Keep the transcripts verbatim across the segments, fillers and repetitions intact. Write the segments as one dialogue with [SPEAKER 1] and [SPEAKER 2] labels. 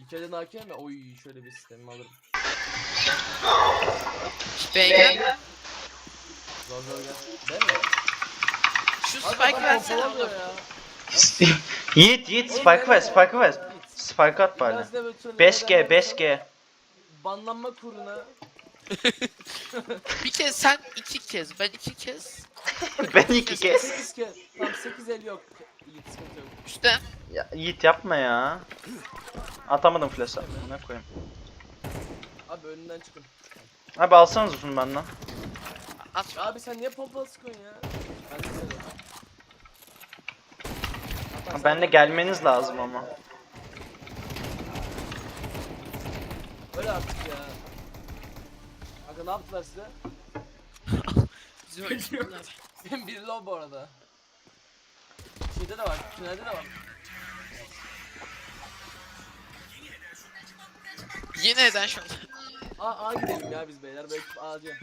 [SPEAKER 1] İlk elden hakem mi? Oy şöyle bir sistemimi alırım.
[SPEAKER 2] Beyler.
[SPEAKER 1] Zor zor gel. Ben mi?
[SPEAKER 2] Şu
[SPEAKER 1] Abi
[SPEAKER 2] spike
[SPEAKER 1] adam
[SPEAKER 2] versene
[SPEAKER 1] pompalamıyor
[SPEAKER 2] oğlum.
[SPEAKER 1] ya.
[SPEAKER 3] Yiğit Yiğit
[SPEAKER 1] Oğlum
[SPEAKER 3] spike ver
[SPEAKER 1] nereye?
[SPEAKER 3] spike ver.
[SPEAKER 1] Yiğit.
[SPEAKER 3] Spike at bari.
[SPEAKER 1] İlgazide böyle troll
[SPEAKER 3] beş
[SPEAKER 1] eden
[SPEAKER 3] G beş G.
[SPEAKER 1] banlanma kuruna.
[SPEAKER 2] Bir kez sen iki kez, ben iki kez.
[SPEAKER 3] Ben iki kez.
[SPEAKER 1] sekiz kez. Tam sekiz el yok. Yiğit sıkıntı yok.
[SPEAKER 2] İşte
[SPEAKER 3] Ya, Yiğit yapma ya. Atamadım flash'a. Ne koyayım.
[SPEAKER 1] Abi önünden çıkın.
[SPEAKER 3] Abi alsanız uzun benden.
[SPEAKER 2] at.
[SPEAKER 1] Abi sen niye pompalı sıkıyorsun ya? Ben de seviyorum. Hatta
[SPEAKER 3] Ben de
[SPEAKER 1] sen-
[SPEAKER 3] gelmeniz lazım ama.
[SPEAKER 1] Öyle artık ya. Kanka ne yaptılar size?
[SPEAKER 2] Bizi öldürdüler.
[SPEAKER 1] Senin biri low bu arada. Şeyde de var, tünelde de var.
[SPEAKER 2] Yine neden şu an?
[SPEAKER 1] A, A gidelim ya biz beyler, belki A'cı.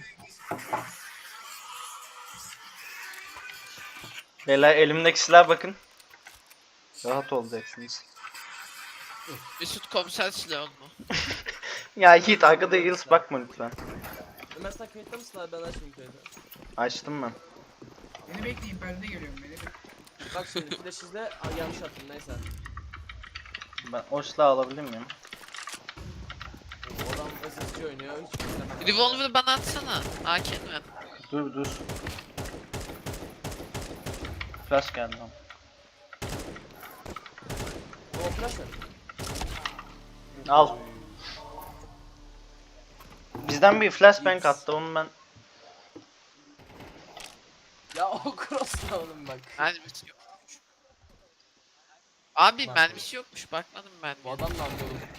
[SPEAKER 3] Beyler elimdeki silaha bakın. Rahat olacaksınız.
[SPEAKER 2] Mesut komiser silahı mu?
[SPEAKER 3] Ya Yiğit arkada Yıldız bakma lütfen.
[SPEAKER 1] Ömer sen kayıtta mısın abi, ben açmayayım kaydı.
[SPEAKER 3] Açtım ben.
[SPEAKER 4] Beni bekleyin, ben de geliyorum, beni bekleyin.
[SPEAKER 1] Bak şimdi flash izle, Aa, yanlış attım neyse.
[SPEAKER 3] Ben o silahı alabilir miyim?
[SPEAKER 1] O adam S S G oynuyor, hiç istemem.
[SPEAKER 2] Revolver'ı bana atsana. A K'ni ver.
[SPEAKER 3] Dur dur. Flash geldi ama.
[SPEAKER 1] O flash mı?
[SPEAKER 3] Al. Bizden bir flashbang attı onu ben.
[SPEAKER 1] Ya o cross'la oğlum bak.
[SPEAKER 2] Mermisi yokmuş. Abi
[SPEAKER 1] Bak.
[SPEAKER 2] mermisi yokmuş, bakmadım ben.
[SPEAKER 1] Bu adam ne yapıyor oğlum?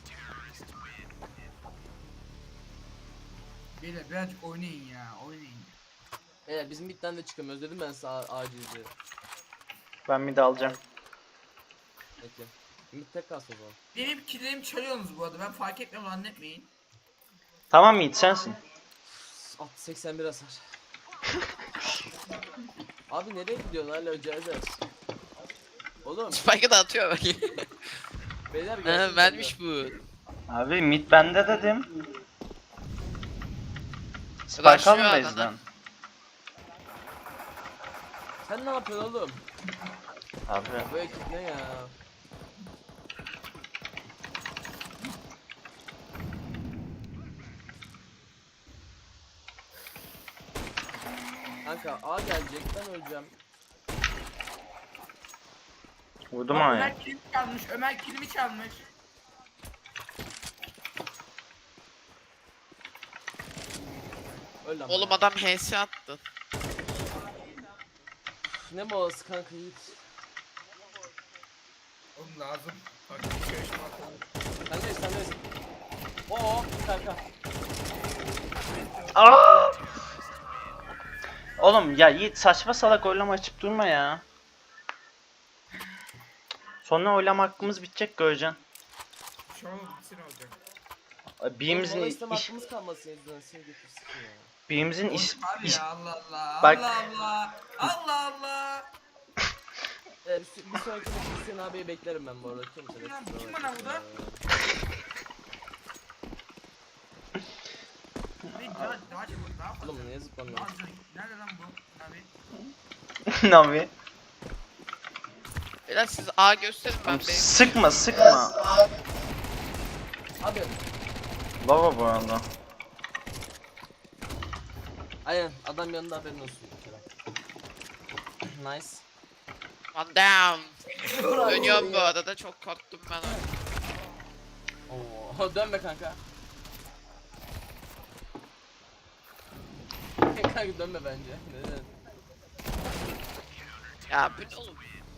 [SPEAKER 4] Beyler birazcık oynayın ya, oynayın.
[SPEAKER 1] Beyler bizim midden de çıkamıyoruz dedim ben size acizdi.
[SPEAKER 3] Ben bir de alacağım.
[SPEAKER 1] Peki. Mid tek kalsın o zaman.
[SPEAKER 4] Benim killerimi çalıyorsunuz bu arada, ben fark etmiyorum, zannetmeyin.
[SPEAKER 3] Tamam Yiğit sensin.
[SPEAKER 1] At seksen bir hasar. Abi nereye gidiyorsun hala Öcazer? Oğlum
[SPEAKER 2] Spike'ı da atıyor bak.
[SPEAKER 1] beyler
[SPEAKER 2] Ha,
[SPEAKER 1] gelsin.
[SPEAKER 2] vermiş bu.
[SPEAKER 3] Abi mid bende dedim.
[SPEAKER 2] Rushlıyor
[SPEAKER 3] Spike almayız
[SPEAKER 2] adana.
[SPEAKER 3] lan.
[SPEAKER 1] Sen ne yapıyorsun oğlum?
[SPEAKER 3] Abi.
[SPEAKER 1] Bu ekip ne ya? Kanka A gelecek, ben öleceğim.
[SPEAKER 3] Vurdum
[SPEAKER 4] Bak,
[SPEAKER 3] ama ya.
[SPEAKER 4] Ömer kilimi çalmış, Ömer kilimi çalmış.
[SPEAKER 1] Öl lan.
[SPEAKER 2] Oğlum
[SPEAKER 1] bana.
[SPEAKER 2] adam H S attı.
[SPEAKER 1] Ne molası kanka Yiğit?
[SPEAKER 4] Oğlum lazım. Bak bir şey yaşamak.
[SPEAKER 1] Sendeyiz sendeyiz. Oo kanka.
[SPEAKER 3] Aa! Oğlum ya Yiğit saçma salak oylama açıp durma ya. Sonra oylama hakkımız bitecek göreceksin.
[SPEAKER 4] Şu an bitsin olacak.
[SPEAKER 3] Birimizin
[SPEAKER 1] Mola isteme
[SPEAKER 3] iş,
[SPEAKER 1] hakkımız kalmasın yüzünden seni getirsin ya.
[SPEAKER 3] birimizin iş,
[SPEAKER 4] Oğlum abi
[SPEAKER 3] iş
[SPEAKER 4] ya, Allah Allah.
[SPEAKER 3] Bak-
[SPEAKER 4] Allah Allah. Allah Allah.
[SPEAKER 1] Ee, bir, bir sonraki maçı Hüseyin abiyi beklerim ben bu arada. Kimse de
[SPEAKER 4] Kim lan-
[SPEAKER 1] kusura
[SPEAKER 4] kim
[SPEAKER 1] bakmasın
[SPEAKER 4] bana bu da?
[SPEAKER 1] ya.
[SPEAKER 4] Ne daha daha çabuk daha fazla.
[SPEAKER 1] Oğlum niye zıplamıyor?
[SPEAKER 4] Daha güzel. Nerede lan bu? Abi.
[SPEAKER 3] Navi.
[SPEAKER 2] Beyler siz A gösterin ben B.
[SPEAKER 3] Sıkma sıkma.
[SPEAKER 1] Abi
[SPEAKER 3] Baba bu arada.
[SPEAKER 1] aynen adam yanında haberin olsun. Nice.
[SPEAKER 2] One down.
[SPEAKER 1] Dur abi,
[SPEAKER 2] Dönüyorum bu
[SPEAKER 1] ya.
[SPEAKER 2] arada, çok korktum ben.
[SPEAKER 1] Oo dönme kanka. Kanka dönme bence. Neden?
[SPEAKER 2] Ya bu ne oğlum?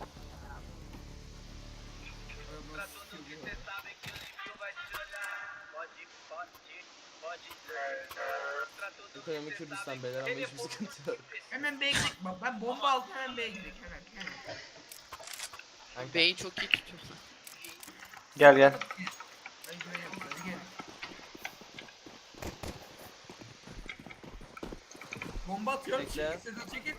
[SPEAKER 1] Ekonomi Kürdistan beyler ama hiçbir sıkıntı yok.
[SPEAKER 4] Hemen B'ye gidelim. Bak ben bomba aldım, hemen B'ye gidelim. Hemen hemen.
[SPEAKER 1] Kanka.
[SPEAKER 2] B'yi çok iyi tutuyor.
[SPEAKER 3] Gel gel.
[SPEAKER 4] Hadi gidelim, hadi gelin. Bomba atıyorum.
[SPEAKER 1] Bekle.
[SPEAKER 4] Çekil, Sedat çekil.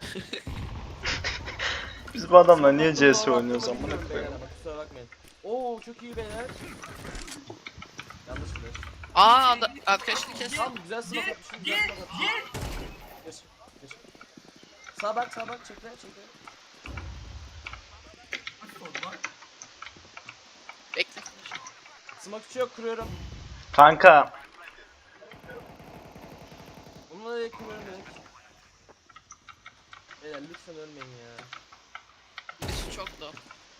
[SPEAKER 3] Biz bu adamla niye C S
[SPEAKER 1] Kusura
[SPEAKER 3] oynuyoruz
[SPEAKER 1] bakmayın
[SPEAKER 3] amına
[SPEAKER 1] beyler
[SPEAKER 3] koyayım.
[SPEAKER 1] ama kusura bakmayın. Oo Oo çok iyi beyler. Yanlış flash.
[SPEAKER 2] Aa anda- arkadaşını kes.
[SPEAKER 1] Tamam güzel smoke atmışım. Güzel smoke atmışım. Geç. Geç. Sağa bak sağa bak çekle çekle.
[SPEAKER 4] Nasıl oldu lan?
[SPEAKER 2] Bekle.
[SPEAKER 1] Smoke içi yok kuruyorum.
[SPEAKER 3] Kanka.
[SPEAKER 1] Bununla da kuruyorum direkt. Beyler lütfen ölmeyin ya.
[SPEAKER 2] Birisi çok da.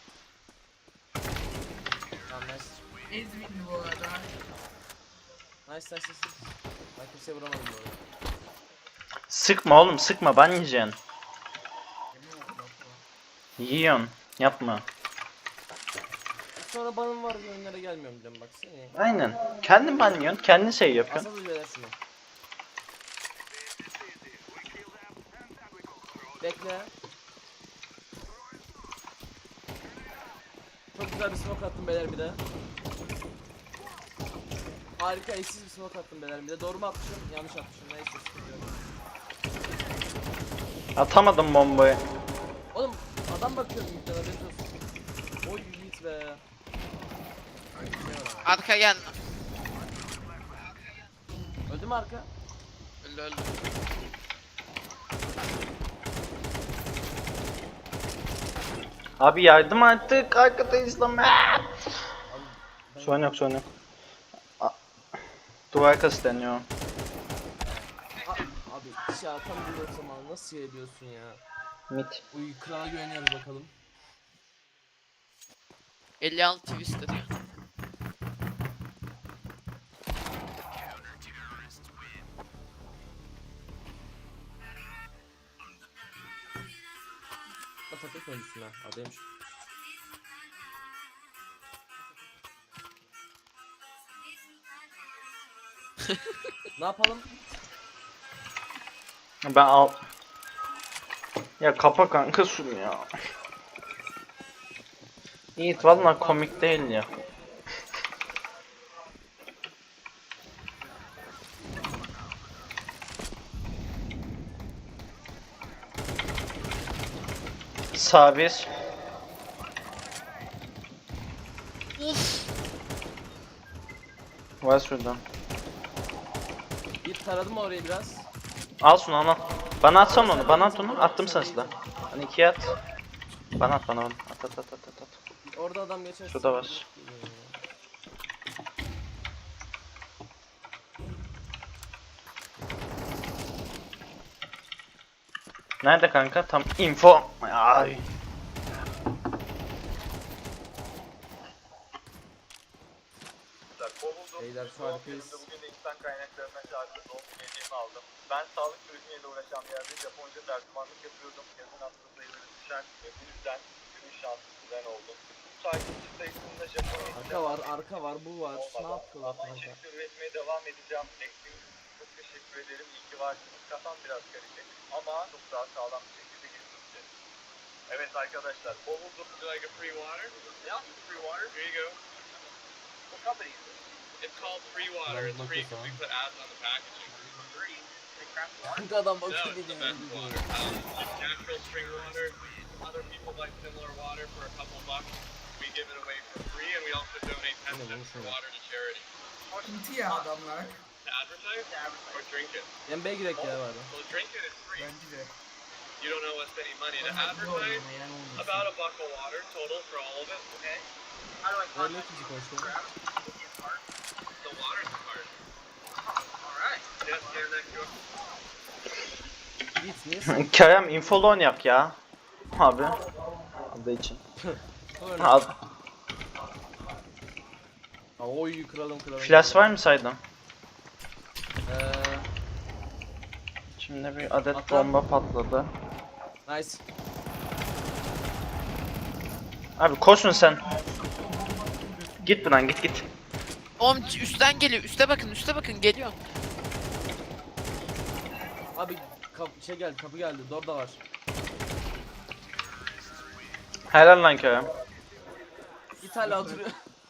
[SPEAKER 1] Tamam nice.
[SPEAKER 4] Ezmin'di bu arada.
[SPEAKER 1] Nice nice nice. Ben kimseye vuramadım bu arada.
[SPEAKER 3] Sıkma oğlum sıkma ban yiyeceksin.
[SPEAKER 4] Emin oldu bak bu.
[SPEAKER 3] Yiyorsun. Yapma.
[SPEAKER 1] Sonra banım var yönlere gelmiyorum diyorum bak seni.
[SPEAKER 3] Aynen. Kendin ban yiyorsun. Kendin şey yapıyorsun.
[SPEAKER 1] Asıl beyler şunu. Bekle. Çok güzel bir smoke attım beyler bir de. Harika eşsiz bir smoke attım beyler bir de. Doğru mu atmışım? Yanlış atmışım. Neyse sıkıntı yok.
[SPEAKER 3] Atamadım bombayı.
[SPEAKER 1] Oğlum adam bakıyorum yüklere haberiniz olsun. Oy yiğit be. Ay, bir şey var ama.
[SPEAKER 2] Arka gelme.
[SPEAKER 1] Öldü mü arka?
[SPEAKER 2] Öldü öldü.
[SPEAKER 3] Abi yardım artık. Arkadayız lan. Aa!
[SPEAKER 1] Abi, ben-
[SPEAKER 3] Sorun yok sorun yok. A- Duvar arkası deniyor.
[SPEAKER 1] A- Abi ya tam bir zaman nasıl ediyorsun ya?
[SPEAKER 3] Mit.
[SPEAKER 1] Uy krala güveniyoruz bakalım.
[SPEAKER 2] elli altı twisted ya.
[SPEAKER 1] Patates öncüsün ha. Adaymış. Ne yapalım?
[SPEAKER 3] Ben al. Ya kapa kanka şunu ya. Yiğit valla komik değil ya. Sabir.
[SPEAKER 2] Uf.
[SPEAKER 3] Var şuradan.
[SPEAKER 1] Bir taradım orayı biraz.
[SPEAKER 3] Al şunu al al. Bana atsan onu. Bana at onu. Attım sana silah. Hani ikiye at. Bana at bana onu. At at at at at. at.
[SPEAKER 1] Orada adam geçer.
[SPEAKER 3] Şurada var. Nerede kanka? Tam info. Ay.
[SPEAKER 1] Beyler şu harikayız.
[SPEAKER 5] Bugün de insan kaynaklarına çağrıda doğum hediyemi aldım. Ben sağlık turizmiyle uğraşan bir yerde Japonca tercümanlık yapıyordum. Yazın hasta sayıları düşen ve bu yüzden günün şanslısı ben oldum. Bu takipçi sayısında Japonya'da
[SPEAKER 1] Arka var, arka var, bu var. Ne yapıyorlar
[SPEAKER 5] Ama
[SPEAKER 1] kanka?
[SPEAKER 5] içerik üretmeye devam edeceğim. Ekleyin. Çok teşekkür ederim. İyi ki varsınız. Kafam biraz karışık ama çok daha sağlam bir şekilde gireceğiz. Evet arkadaşlar. Bovulduk. Do you like a free water? Yeah, free water. Here you go. What company is it?
[SPEAKER 6] It's called Free Water. It's free because we put ads on the packaging.
[SPEAKER 5] Free. Free craft water.
[SPEAKER 1] Kanka adam
[SPEAKER 6] No,
[SPEAKER 1] bakıyor
[SPEAKER 6] it's the
[SPEAKER 1] dedi.
[SPEAKER 6] best water. Um, it's natural spring water. Other people like similar water for a couple bucks. We give it away for free, and we also donate ten cents for water to charity.
[SPEAKER 4] Sıkıntı ya adamlar.
[SPEAKER 6] To advertise or drink it.
[SPEAKER 1] N B'ye girek ya var.
[SPEAKER 6] Well, drink it is free.
[SPEAKER 4] Bence de.
[SPEAKER 6] You don't know what's any money. To
[SPEAKER 4] Bana ne
[SPEAKER 6] advertise,
[SPEAKER 4] olmayan olmasın.
[SPEAKER 6] about a buck of water total for all of it. Okay.
[SPEAKER 5] How do I
[SPEAKER 1] Ben ne ikinci konuşuyorum?
[SPEAKER 6] The water's the card.
[SPEAKER 5] Alright.
[SPEAKER 6] Just stand next to it.
[SPEAKER 1] Git niye sen?
[SPEAKER 3] Kerem infolu oynayak ya. Abi. Adı için.
[SPEAKER 1] Öyle.
[SPEAKER 3] Al.
[SPEAKER 1] Aa, oy kralım kralım.
[SPEAKER 3] Flash var mı saydın?
[SPEAKER 1] Eee
[SPEAKER 3] Şimdi bir adet
[SPEAKER 1] Atla.
[SPEAKER 3] bomba patladı.
[SPEAKER 1] nice.
[SPEAKER 3] Abi koşun sen. Git buradan git git.
[SPEAKER 2] Oğlum üstten geliyor. Üste bakın, üste bakın geliyor.
[SPEAKER 1] Abi kap şey geldi, kapı geldi. Dorda var.
[SPEAKER 3] Helal lan Kerem.
[SPEAKER 1] Git hala oturuyor.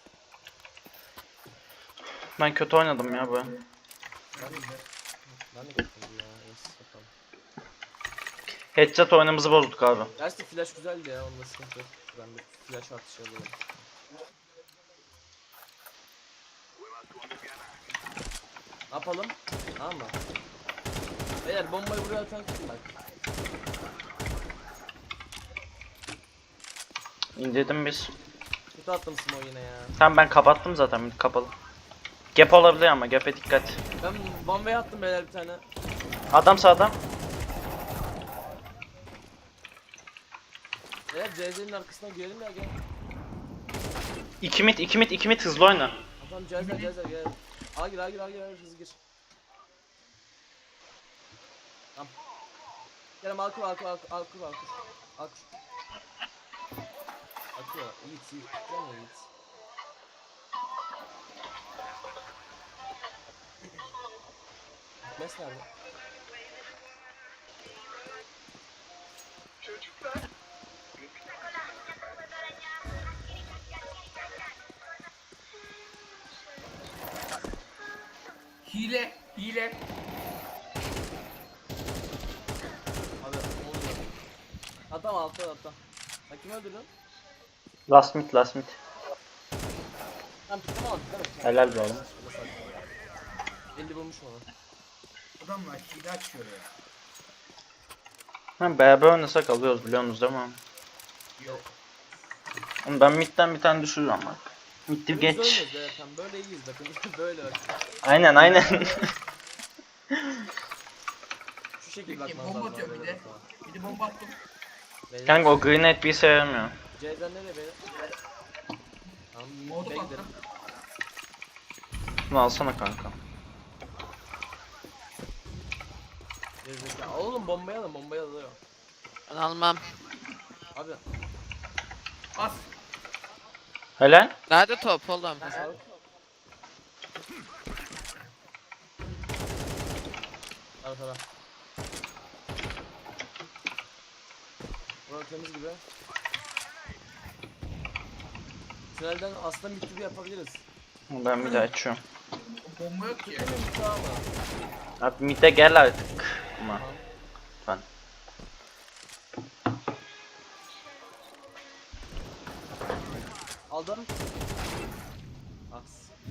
[SPEAKER 3] Ben kötü oynadım ya bu.
[SPEAKER 1] Ben de ben de gittim ya. Neyse bakalım.
[SPEAKER 3] Headshot oyunumuzu bozduk abi.
[SPEAKER 1] Gerçi flash güzeldi ya. Onda sıkıntı yok. Ben de flash atışı alıyorum. Ne yapalım? Tamam mı? Beyler bombayı buraya atan kim bak?
[SPEAKER 3] İndirdim biz.
[SPEAKER 1] Kötü attım smoke yine ya.
[SPEAKER 3] Tamam ben kapattım zaten mid kapalı. Gap olabilir ama gap'e dikkat.
[SPEAKER 1] Ben bombaya attım beyler bir tane.
[SPEAKER 3] Adam sağda.
[SPEAKER 1] Beyler C Z'nin arkasına girelim ya gel.
[SPEAKER 3] iki mid iki mid iki mid hızlı oyna.
[SPEAKER 1] Adam C Z C Z gel. A gir A gir A gir A gir hızlı gir. Tamam. Gelin al kur al kur al kur al kur al kur. Al kur. Akıyor. Yiğit Yiğit. Gel mi Yiğit? Mes nerede?
[SPEAKER 4] Hile, hile.
[SPEAKER 1] Abi ne oluyor? Adam altta altta. Sen kimi öldürdün?
[SPEAKER 3] Last mid last mid.
[SPEAKER 1] Tamam pikleme al pikleme.
[SPEAKER 3] Helal be oğlum.
[SPEAKER 1] elli vurmuş onu.
[SPEAKER 4] Adamlar hile açıyor ya.
[SPEAKER 3] Ha, beraber oynasak alıyoruz biliyorsunuz değil mi?
[SPEAKER 4] Yok.
[SPEAKER 3] Oğlum ben midden bir tane düşürürüm ama. Mid'i
[SPEAKER 1] Biz
[SPEAKER 3] geç.
[SPEAKER 1] ölmüyoruz zaten böyle iyiyiz bakın böyle bak.
[SPEAKER 3] Aynen aynen.
[SPEAKER 1] Şu şekilde
[SPEAKER 4] Peki
[SPEAKER 1] bakmanız
[SPEAKER 4] bomba
[SPEAKER 1] lazım.
[SPEAKER 4] atıyor bir de. Bir de bomba attım.
[SPEAKER 1] Beyler,
[SPEAKER 3] Kanka o grenade bir sevmiyor.
[SPEAKER 1] C'den nereye beyler? Tamam
[SPEAKER 4] Molotov
[SPEAKER 1] B'ye gidelim.
[SPEAKER 4] attım.
[SPEAKER 3] Bunu alsana kanka.
[SPEAKER 1] Gerizekalı. Oğlum bombayı alın bombayı alıyor.
[SPEAKER 2] Ben almam.
[SPEAKER 1] Abi
[SPEAKER 4] As.
[SPEAKER 3] Helal.
[SPEAKER 2] Nerede top oğlum?
[SPEAKER 1] sağlık. Al sana. Burası temiz gibi. Tünelden aslında mid gibi yapabiliriz.
[SPEAKER 3] Ben bir de açıyorum.
[SPEAKER 4] Bomba yok ki.
[SPEAKER 1] Değil mi mid ama?
[SPEAKER 3] Abi mid'e gel artık. Ama. Ben.
[SPEAKER 1] Aldım. As.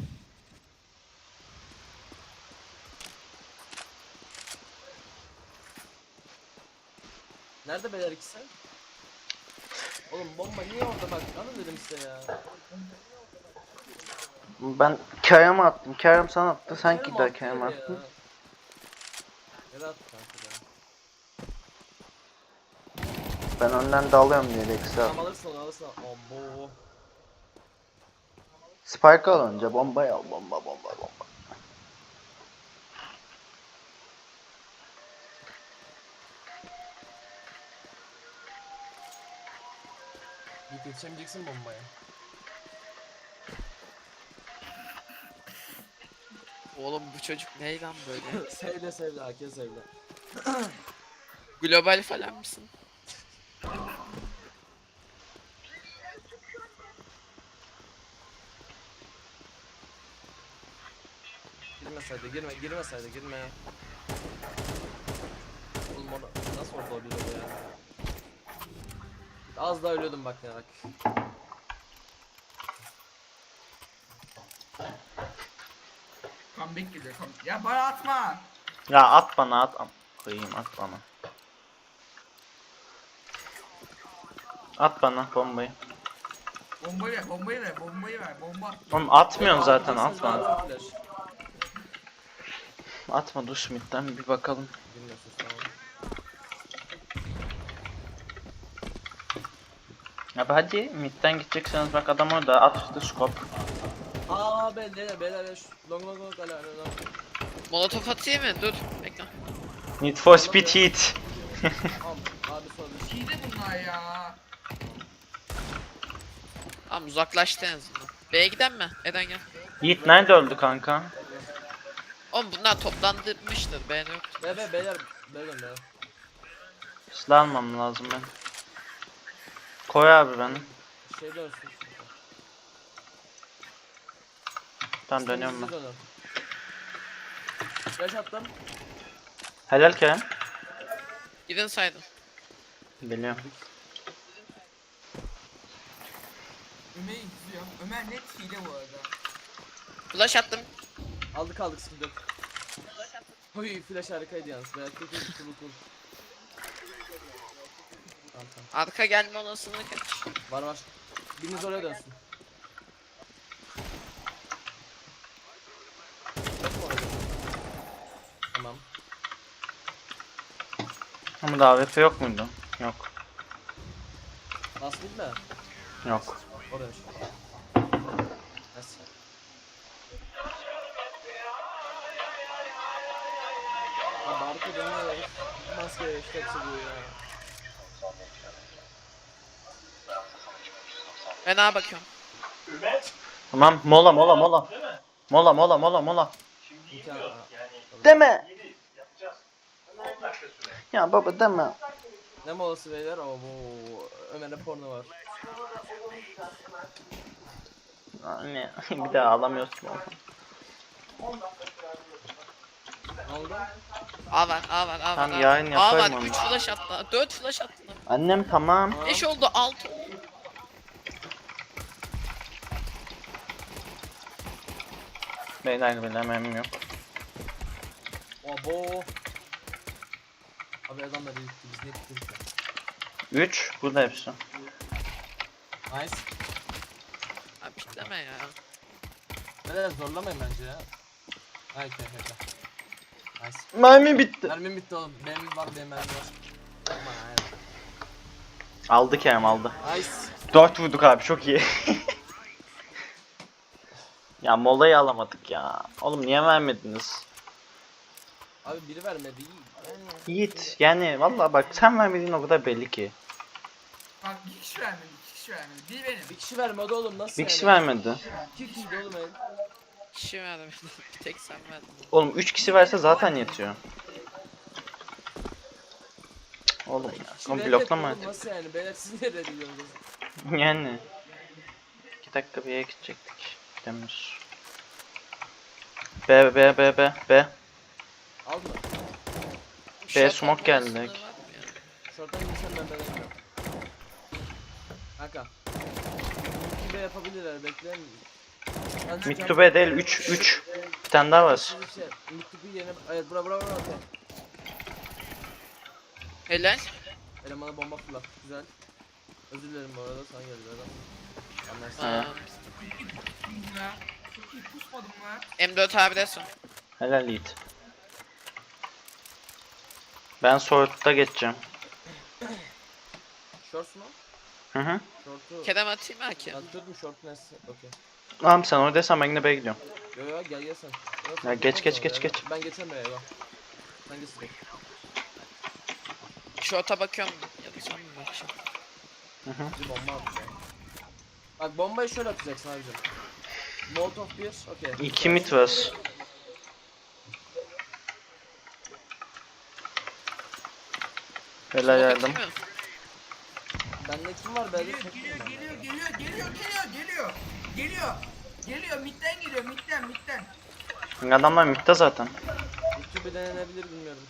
[SPEAKER 1] Nerede beyler ikisi? Oğlum bomba niye orada bak? Alın dedim size ya.
[SPEAKER 3] Ben Kerem'e attım. Kerem sana attı. Sen
[SPEAKER 1] Kerem
[SPEAKER 3] gider
[SPEAKER 1] attı
[SPEAKER 3] Kerem'e
[SPEAKER 1] yere ya.
[SPEAKER 3] attın.
[SPEAKER 1] Yere attı kanka ya.
[SPEAKER 3] Ben önden dalıyorum diye Rex'i
[SPEAKER 1] Tamam
[SPEAKER 3] attım.
[SPEAKER 1] alırsın onu alırsın. Abo.
[SPEAKER 3] Spike al önce. Bombayı al. Bomba bomba bomba.
[SPEAKER 1] Git yetişemeyeceksin bombaya.
[SPEAKER 2] Oğlum bu çocuk ne lan böyle?
[SPEAKER 1] Sevle sevle herkes sevle.
[SPEAKER 2] Global falan mısın?
[SPEAKER 1] Girmeseydi girme girmeseydi girme. Oğlum onu nasıl orada oluyor ya? Az daha ölüyordum bak yarak.
[SPEAKER 4] Comeback geliyor. Come... Ya bana atma.
[SPEAKER 3] Ya at bana at. Am- Koyayım at bana. At bana bombayı.
[SPEAKER 4] Bombayı ver, bombayı ver, bombayı ver, bomba.
[SPEAKER 3] Oğlum atmıyorsun zaten
[SPEAKER 1] Aldım,
[SPEAKER 3] atma.
[SPEAKER 1] sen zaten flash.
[SPEAKER 3] Atma dur şu midden bir bakalım.
[SPEAKER 1] Bilmiyorsun tamam.
[SPEAKER 3] Abi hadi midden gidecekseniz bak adam orada at işte scope.
[SPEAKER 1] Aa be beyler beyler beyler şu long long long ala ala ala.
[SPEAKER 2] Molotof atayım mı? Dur. Bekle.
[SPEAKER 3] Need for speed heat.
[SPEAKER 1] Abi abi sormuş.
[SPEAKER 4] Hile bunlar ya.
[SPEAKER 2] Tamam uzaklaştı en azından. B'ye giden mi? Eden gel.
[SPEAKER 3] Yiğit nerede öldü kanka?
[SPEAKER 2] Oğlum bunlar toplandırmıştır. B'de yok.
[SPEAKER 1] Be be beyler beyler beyler.
[SPEAKER 3] Silah almam lazım ben. Koy abi beni.
[SPEAKER 1] Şey dönsün.
[SPEAKER 3] Tamam dönüyorum ben.
[SPEAKER 1] Flash attım.
[SPEAKER 3] Helal Kerem.
[SPEAKER 2] Gidin saydım.
[SPEAKER 3] Biliyorum.
[SPEAKER 4] Ömer'i izliyorum. Ömer net hile bu arada.
[SPEAKER 2] Flash attım.
[SPEAKER 1] Aldık aldık sıkıntı yok. Oy flash harikaydı yalnız. Belki de cool cool. Tamam tamam.
[SPEAKER 2] Arka gelme olasılığı kaç?
[SPEAKER 1] Var var. Biriniz oraya dönsün. Yok mu oraya? Tamam.
[SPEAKER 3] Ama da A W P yok muydu? Yok.
[SPEAKER 1] Nasıl değil mi?
[SPEAKER 3] Yok.
[SPEAKER 1] Oraya. Nasıl? Abi arka dönüyor herif. Maskeye işte hepsi bu ya.
[SPEAKER 2] Ben A bakıyorum.
[SPEAKER 3] Tamam mola mola mola. Mola mola mola mola.
[SPEAKER 1] İmkan.
[SPEAKER 3] Deme. Ya baba deme.
[SPEAKER 1] Ne molası beyler? Oo bu Ömer'e porno var.
[SPEAKER 3] Anne bir daha ağlamıyorsun oğlum.
[SPEAKER 1] Ne oldu?
[SPEAKER 2] A var, A var, A var.
[SPEAKER 3] Tamam,
[SPEAKER 2] A
[SPEAKER 3] yayın
[SPEAKER 2] var. A var,
[SPEAKER 3] yaparım onu.
[SPEAKER 2] üç flash attı. dört flash attı.
[SPEAKER 3] Annem tamam.
[SPEAKER 2] beş oldu, altı oldu.
[SPEAKER 3] Beyler bile memnun yok.
[SPEAKER 1] Abo. Abi adamlar iyi gitti. Biz ne gittik ya?
[SPEAKER 3] üç burada hepsi.
[SPEAKER 1] Nice.
[SPEAKER 2] Abi pikleme ya.
[SPEAKER 1] Beyler zorlamayın bence ya. Hay okey okey. Nice.
[SPEAKER 3] Mermi bitti.
[SPEAKER 1] Mermim bitti oğlum. Benim var benim mermim var. Aman aynen.
[SPEAKER 3] Aldı Kerem aldı.
[SPEAKER 1] Nice.
[SPEAKER 3] dört vurduk abi çok iyi. Ya molayı alamadık ya. Oğlum niye vermediniz?
[SPEAKER 1] Abi biri vermedi. iyi. Yani.
[SPEAKER 3] Yiğit yani vallahi bak sen vermediğin o kadar belli ki.
[SPEAKER 4] Bak bir kişi vermedi, iki kişi vermedi. Bir benim.
[SPEAKER 1] Bir kişi vermedi oğlum nasıl
[SPEAKER 3] Bir
[SPEAKER 1] yani?
[SPEAKER 3] kişi vermedi.
[SPEAKER 1] İki kişiydi oğlum el.
[SPEAKER 2] Kişi verdim. Bir tek sen verdin.
[SPEAKER 3] Oğlum üç kişi verse zaten yetiyor. Cık, Oğlum ya.
[SPEAKER 1] Kişi
[SPEAKER 3] Oğlum
[SPEAKER 1] reddetti
[SPEAKER 3] bloklama
[SPEAKER 1] oğlum,
[SPEAKER 3] artık.
[SPEAKER 1] nasıl yani? Beyler siz ne reddediyorsunuz?
[SPEAKER 3] Yani. iki dakika bir yere gidecektik. Gidemiyoruz. B B B B B.
[SPEAKER 1] Al mı?
[SPEAKER 3] B
[SPEAKER 2] Shot
[SPEAKER 3] smoke
[SPEAKER 2] atma
[SPEAKER 3] geldi
[SPEAKER 2] olasılığı
[SPEAKER 3] direkt.
[SPEAKER 2] var mı ya?
[SPEAKER 1] Şorttan gitsem ben beğenmiyorum. Kanka. iki B yapabilirler bekleyin. Bence
[SPEAKER 3] Mid
[SPEAKER 1] can-
[SPEAKER 3] to B değil üç üç. Bir tane daha var.
[SPEAKER 1] Şey, Mid to B yerine... Evet bura bura bura okey.
[SPEAKER 2] Helal.
[SPEAKER 1] Elemana bomba fırlat. Güzel. Özür dilerim bu arada sana geldi adam. Anlarsın.
[SPEAKER 3] Ha.
[SPEAKER 2] Aa,
[SPEAKER 4] Çok iyi pusmadım ya. Çok iyi pusmadım ya.
[SPEAKER 2] M dört abi'de son.
[SPEAKER 3] Helal Yiğit. Ben Sword'da geçeceğim.
[SPEAKER 1] Shorts mu?
[SPEAKER 3] Hı hı.
[SPEAKER 1] Short'u...
[SPEAKER 2] Kerem atayım mı ki?
[SPEAKER 1] Attırdım short nesi? Okey.
[SPEAKER 3] Tamam sen oradaysan ben yine B'ye gidiyorum.
[SPEAKER 1] Yo yo gel gel sen. Yo,
[SPEAKER 3] Ya geç,
[SPEAKER 1] yapamaz
[SPEAKER 3] geç,
[SPEAKER 1] ama
[SPEAKER 3] geç,
[SPEAKER 1] ya.
[SPEAKER 3] geç.
[SPEAKER 1] Ben geçemem ya yo. Sen geç direkt.
[SPEAKER 2] Short'a bakıyorum. Ya da son mu bakacağım?
[SPEAKER 1] Bir bomba at ya. Bak bombayı şöyle atacaksın abicim. Molotov bir, okey.
[SPEAKER 3] İki mid var. Helal
[SPEAKER 2] Smoke
[SPEAKER 3] yardım.
[SPEAKER 2] atayım mı?
[SPEAKER 1] Bende kim var? Bende
[SPEAKER 4] Geliyor,
[SPEAKER 1] tek
[SPEAKER 4] geliyor,
[SPEAKER 1] kim var?
[SPEAKER 4] geliyor, geliyor, geliyor, geliyor, geliyor. Geliyor. Geliyor, midden geliyor, midden, midden.
[SPEAKER 3] Adamlar midde zaten.
[SPEAKER 1] İki bir denenebilir bilmiyorum.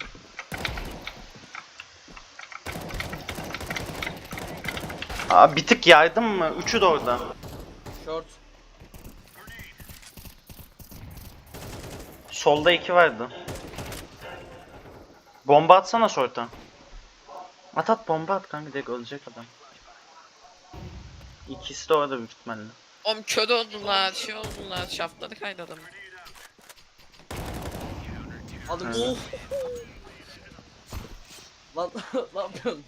[SPEAKER 3] Aa bir tık yardım mı? Üçü de orada.
[SPEAKER 1] Short.
[SPEAKER 3] Solda iki vardı. Bomba atsana short'a. At at bomba at kanka direkt ölecek adam. İkisi de orada büyük ihtimalle.
[SPEAKER 2] Oğlum kör oldular, şey oldular, şaftları kaydı adamın.
[SPEAKER 1] Aldım.
[SPEAKER 3] Hı.
[SPEAKER 1] Oh. Lan ne yapıyorsun?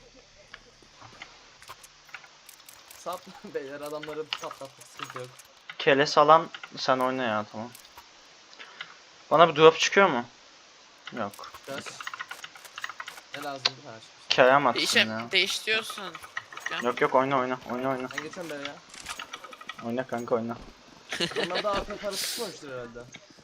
[SPEAKER 1] Sap beyler adamları patlattık sıkıntı yok.
[SPEAKER 3] Keles alan sen oyna ya tamam. Bana bir drop çıkıyor mu? Yok.
[SPEAKER 1] Biraz. Ne lazım her şey.
[SPEAKER 3] Kerem atsın
[SPEAKER 2] Değişem,
[SPEAKER 3] ya.
[SPEAKER 2] değiştiriyorsun.
[SPEAKER 3] Yok yok oyna oyna oyna oyna.
[SPEAKER 1] Ben geçen beri ya.
[SPEAKER 3] Oyna kanka oyna.
[SPEAKER 1] Onlar da arka parası tutmamıştır herhalde.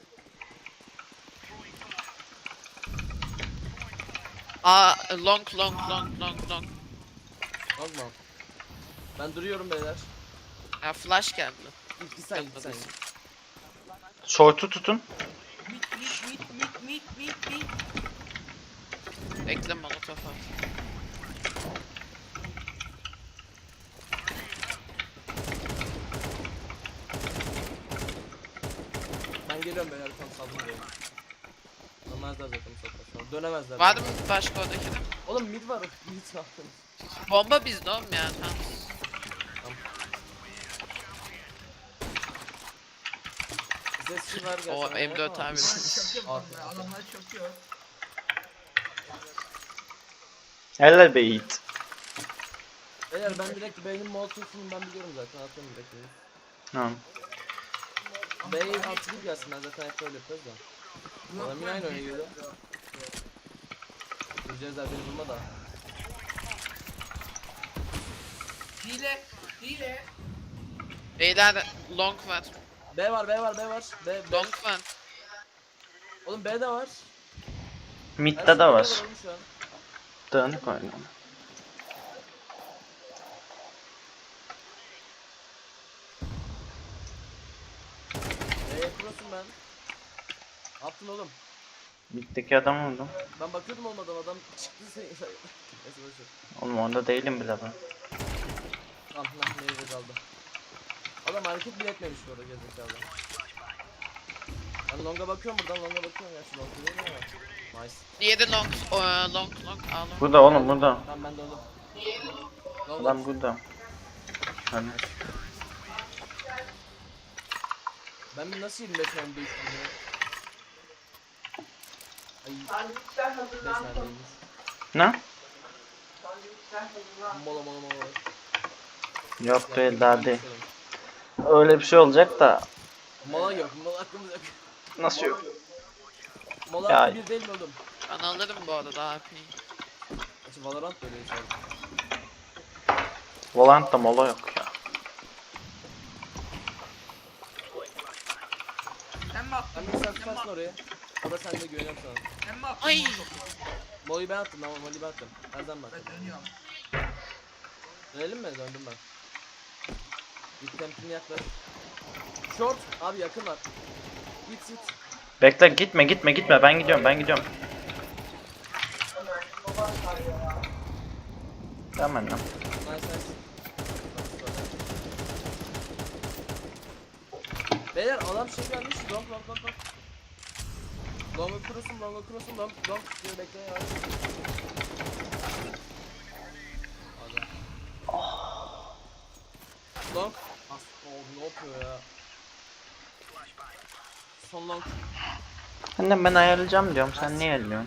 [SPEAKER 2] Aa, long, long, long, long, long.
[SPEAKER 1] Az mı? Ben duruyorum beyler.
[SPEAKER 2] Ya flash geldi.
[SPEAKER 1] İlk bir sen git sen. git.
[SPEAKER 3] Short'u tutun.
[SPEAKER 4] Mid, mid, mid, mid, mid, mid, mid.
[SPEAKER 2] Bekle molotof at.
[SPEAKER 1] Ben geliyorum beyler tam saldım diyorum. Ama Dönemezler zaten bu saatten sonra. Dönemezler.
[SPEAKER 2] Var mı başka odaki de?
[SPEAKER 1] Oğlum mid var. Mid ne yaptınız?
[SPEAKER 2] Bomba bizde oğlum ya. Tamam.
[SPEAKER 1] Sesçi var
[SPEAKER 2] O
[SPEAKER 1] gerçekten.
[SPEAKER 2] M dört abi.
[SPEAKER 4] Çakıyor
[SPEAKER 1] Artık.
[SPEAKER 4] bunlar. Adamlar çakıyor.
[SPEAKER 3] Helal be Yiğit.
[SPEAKER 1] Eğer ben direkt B'nin molotofunu ben biliyorum zaten. Atıyorum direkt B'yi.
[SPEAKER 3] Tamam.
[SPEAKER 1] B'yi atılıp gelsin, ben zaten hep böyle yapıyoruz da. Adam yine aynı oyuna geliyor. Cezler beni vurma da.
[SPEAKER 4] Hile. Hile.
[SPEAKER 2] Beyler long var.
[SPEAKER 1] B var, B var, B var. B, B.
[SPEAKER 2] Long var.
[SPEAKER 1] Oğlum B de var. Her
[SPEAKER 3] Mid'de
[SPEAKER 1] şey
[SPEAKER 3] de var.
[SPEAKER 1] oğlum şu an.
[SPEAKER 3] Dağınık oynuyor.
[SPEAKER 1] B'ye kurasın ben. Ne yaptın oğlum?
[SPEAKER 3] Mid'deki adam vurdum.
[SPEAKER 1] Ben bakıyordum olmadan, adam çıktı sen. Neyse boşver.
[SPEAKER 3] Oğlum onda değilim bile ben.
[SPEAKER 1] Tamam lan nerede kaldı. Adam hareket bile etmemiş bu arada gerizekalı. Ben longa bakıyorum buradan, longa bakıyorum ya, şu longa değil mi ya? Nice.
[SPEAKER 2] Diğeri long. O, long long. Aa, long.
[SPEAKER 3] Burada oğlum burada.
[SPEAKER 1] Tamam ben de oğlum. Long
[SPEAKER 3] Adam burada. Hani
[SPEAKER 1] ben bir nasıl yirmi beş mermi değiştirdim ya? Ay. beş mermiymiş.
[SPEAKER 3] ne?
[SPEAKER 1] Mola mola mola.
[SPEAKER 3] Yok değil daha değil. Öyle bir şey olacak da
[SPEAKER 1] Mola yok, mola aklımız yok.
[SPEAKER 3] nasıl yok?
[SPEAKER 1] Mola
[SPEAKER 3] Ya.
[SPEAKER 1] hakkı bir değil mi oğlum?
[SPEAKER 2] Ben alırım bu arada A P'yi.
[SPEAKER 1] Açı Valorant böyle şey.
[SPEAKER 3] Volant'ta mola yok ya.
[SPEAKER 4] Sen mi attın?
[SPEAKER 1] Sen beni sen tutarsın oraya. O da sende güveniyorum sana.
[SPEAKER 4] Sen mi attın?
[SPEAKER 2] Ay.
[SPEAKER 1] Molly'yi ben attım ama Molly'yi ben attım. Nereden ben attım?
[SPEAKER 4] Ben dönüyorum.
[SPEAKER 1] Dönelim mi? Döndüm ben. İlk temkinli yaklaş. Short. Abi yakın var. Git git.
[SPEAKER 3] Bekle gitme gitme gitme ben gidiyorum ben gidiyorum. Tamam lan.
[SPEAKER 1] Nice nice. Beyler adam şey gelmiş. Long long long long. Long'u kurusun, long'u kurusun, long long. Diyor bekle ya. Adam. Long. As oh, ne yapıyor ya? Son long.
[SPEAKER 3] Annem ben ayarlayacağım diyorum sen niye ayarlıyorsun?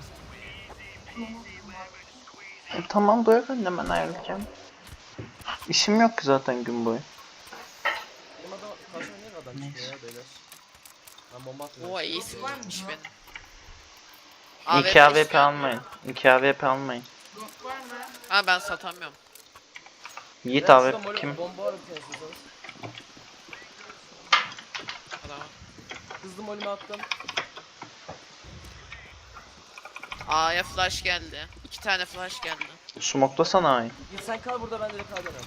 [SPEAKER 3] E, tamam bırak annem ben ayarlayacağım. İşim yok ki zaten gün boyu.
[SPEAKER 1] Benim adam karşıma niye adam çıkıyor ya beyler? Ben bomba atmıyorum.
[SPEAKER 2] O iyisi varmış benim.
[SPEAKER 3] İki A W P
[SPEAKER 2] istiyor.
[SPEAKER 3] almayın. İki A W P almayın.
[SPEAKER 4] Yok var mı?
[SPEAKER 2] Ha ben satamıyorum.
[SPEAKER 3] Yiğit
[SPEAKER 1] Beyler,
[SPEAKER 3] A W
[SPEAKER 1] şurada
[SPEAKER 3] P
[SPEAKER 1] mole-
[SPEAKER 3] kim?
[SPEAKER 1] Bomba var bir tane istiyorsanız.
[SPEAKER 2] Tamam.
[SPEAKER 1] Hızlı molimi attım.
[SPEAKER 2] A'ya flash geldi. İki tane flash geldi.
[SPEAKER 3] Smoklasana ay.
[SPEAKER 1] Git sen kal burada, ben direkt kal dönem.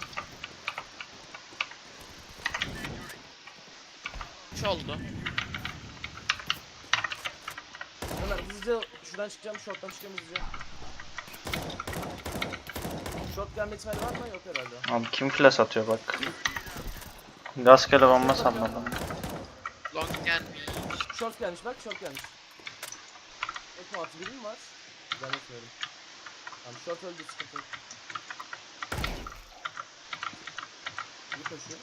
[SPEAKER 2] Üç oldu.
[SPEAKER 1] Ömer hızlıca şuradan çıkacağım, short'tan çıkacağım hızlıca. Short gelme ihtimali var mı? Yok herhalde.
[SPEAKER 3] Abi kim flash atıyor bak. Rastgele bomba salladım.
[SPEAKER 2] Long gelmiş.
[SPEAKER 1] Short gelmiş bak, short gelmiş. Ekme atı biri mi var? Zannetmiyorum. Tamam short öldü, sıkıntı yok. Bir koşuyor.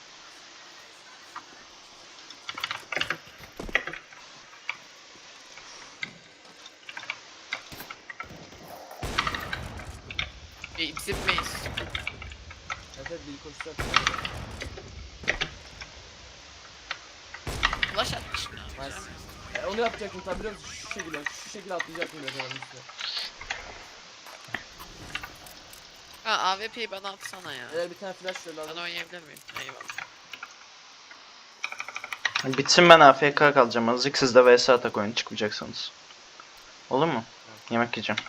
[SPEAKER 2] E, bizim base.
[SPEAKER 1] Evet evet, bir koşacak.
[SPEAKER 2] Flash atmış.
[SPEAKER 1] Nice. E, onu yapacaktım tabi, biliyor musun? Şu şekilde, şu şekilde atlayacaktım biraz onun üstüne.
[SPEAKER 2] Ha A W P'yi bana atsana ya.
[SPEAKER 1] Eğer bir tane flash şöyle
[SPEAKER 2] Ben
[SPEAKER 1] aldım.
[SPEAKER 2] oynayabilir miyim? Eyvallah.
[SPEAKER 3] Bitsin ben A F K kalacağım azıcık siz de V S atak oyunu çıkmayacaksınız. Olur mu? Yemek yiyeceğim.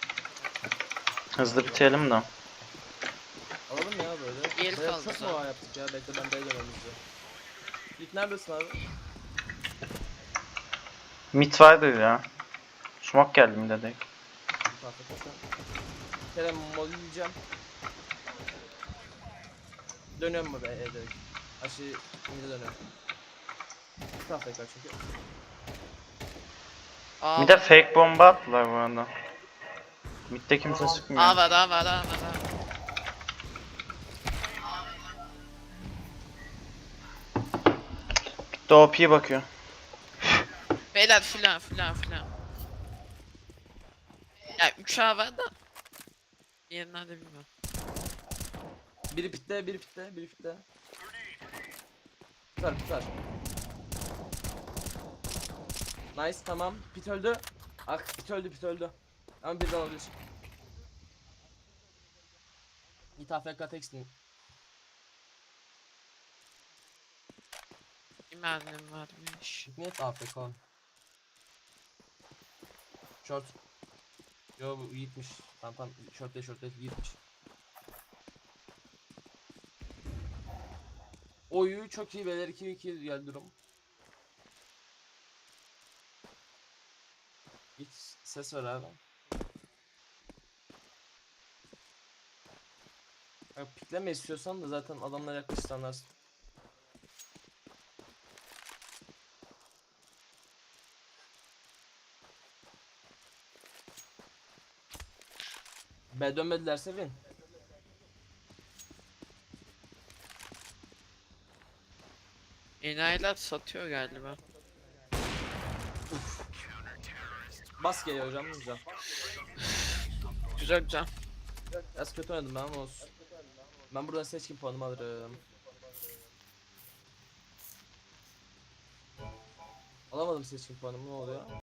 [SPEAKER 3] Hızlı bitirelim de.
[SPEAKER 1] Alalım ya böyle.
[SPEAKER 2] Diğeri
[SPEAKER 1] Bayağı
[SPEAKER 2] kaldı
[SPEAKER 1] çok
[SPEAKER 2] zaten.
[SPEAKER 1] mu var yaptık ya? Bekle ben B'ye dönemem bize. İlk neredesin abi?
[SPEAKER 3] Mid vardır ya. Smoke geldi mi dedik.
[SPEAKER 1] Bir tahta koşan. Kerem molly yiyeceğim. Dönüyorum mu be e, direkt. Aşı şimdi dönüyorum. Bir tahta kaç çünkü.
[SPEAKER 2] A
[SPEAKER 3] Bir de fake bomba attılar bu arada. Mid'de kimse sıkmıyor.
[SPEAKER 2] A var A var A var A.
[SPEAKER 3] Mid'de O P bakıyor.
[SPEAKER 2] Beyler filan filan filan. Ya üç A var da. Diğeri nerede bilmiyorum.
[SPEAKER 1] Biri pitte, biri pitte, biri pitte. Tutar, tutar. Nice, tamam. Pit öldü. Ah, pit öldü, pit öldü. Ama bir de olabilir. Git A F K tekstin.
[SPEAKER 2] Bir mermim varmış.
[SPEAKER 1] Net A F K. Short. Yo bu yiğitmiş. Tamam tamam. Short değil, short değil. Yiğitmiş. Oyu çok iyi beyler. iki iki geldi durum. Git ses ver abi. Ya, pikleme istiyorsan da zaten adamlar yaklaşık anlarsın. B dönmedilerse win.
[SPEAKER 2] Enayiler satıyor galiba.
[SPEAKER 1] Bas geliyor hocam güzel.
[SPEAKER 2] Güzel güzel.
[SPEAKER 1] Biraz kötü oynadım ben ama olsun. Ben buradan seçkin puanımı alırım. Alamadım seçkin puanımı, ne oluyor?